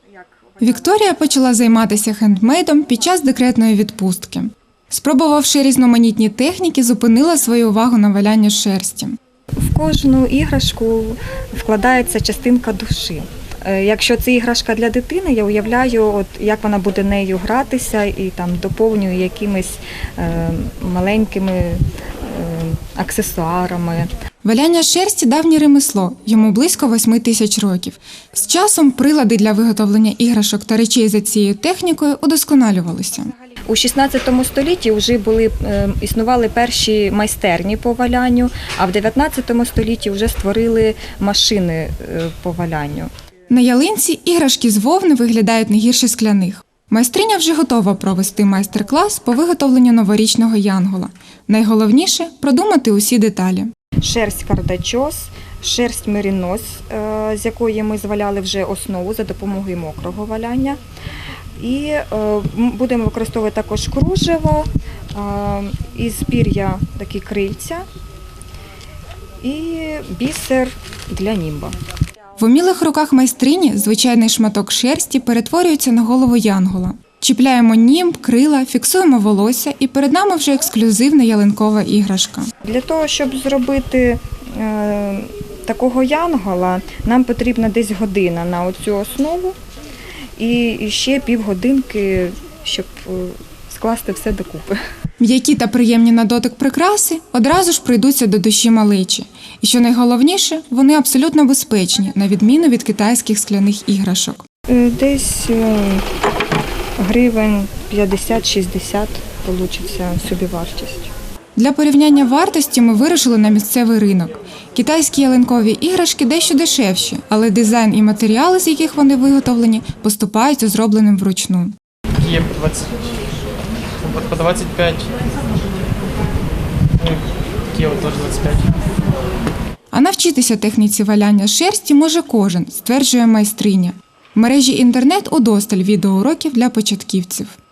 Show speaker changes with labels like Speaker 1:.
Speaker 1: Вікторія почала займатися хендмейдом під час декретної відпустки. Спробувавши різноманітні техніки, зупинила свою увагу на валянні шерсті.
Speaker 2: В кожну іграшку вкладається частинка душі. Якщо це іграшка для дитини, я уявляю, як вона буде нею гратися і доповнюю якимись маленькими аксесуарами.
Speaker 1: Валяння шерсті – давнє ремесло, йому близько 8 тисяч років. З часом прилади для виготовлення іграшок та речей за цією технікою удосконалювалися.
Speaker 2: У 16 столітті вже існували перші майстерні по валянню, а в 19 столітті вже створили машини по валянню.
Speaker 1: На ялинці іграшки з вовни виглядають не гірше скляних. Майстриня вже готова провести майстер-клас по виготовленню новорічного янгола. Найголовніше – продумати усі деталі.
Speaker 2: Шерсть кардачос, шерсть мерінос, з якої ми зваляли вже основу за допомогою мокрого валяння. І будемо використовувати також кружево, із пір'я такі крильця і бісер для німба.
Speaker 1: В умілих руках майстрині звичайний шматок шерсті перетворюється на голову янгола. Чіпляємо німб, крила, фіксуємо волосся і перед нами вже ексклюзивна ялинкова іграшка.
Speaker 2: Для того, щоб зробити такого янгола, нам потрібна десь година на оцю основу і ще півгодинки, щоб скласти все докупи.
Speaker 1: М'які та приємні на дотик прикраси одразу ж прийдуться до душі малечі. І що найголовніше, вони абсолютно безпечні, на відміну від китайських скляних іграшок.
Speaker 2: Десь гривень 50-60 вийде собівартість.
Speaker 1: Для порівняння вартості ми вирушили на місцевий ринок. Китайські ялинкові іграшки дещо дешевші, але дизайн і матеріали, з яких вони виготовлені, поступаються зробленим вручну.
Speaker 3: Є по 25, такі от теж 25.
Speaker 1: А навчитися техніці валяння шерсті може кожен, стверджує майстриня. В мережі інтернет удосталь відеоуроків для початківців.